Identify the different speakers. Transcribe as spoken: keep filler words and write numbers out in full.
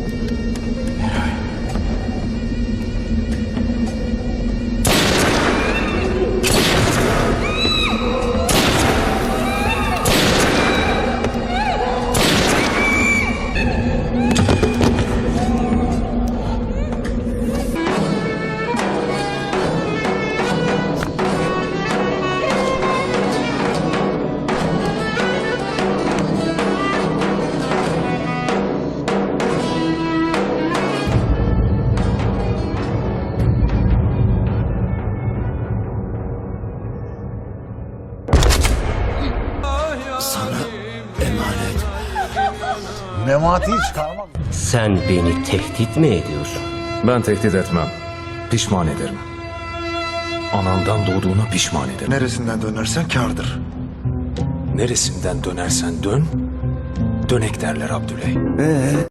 Speaker 1: Sana emanet. Memati'yi çıkarmak.
Speaker 2: Sen beni tehdit mi ediyorsun?
Speaker 3: Ben tehdit etmem. Pişman ederim. Anandan doğduğuna pişman ederim.
Speaker 1: Neresinden dönersen kârdır.
Speaker 3: Neresinden dönersen dön, dönek derler Abdüley.
Speaker 1: Ee?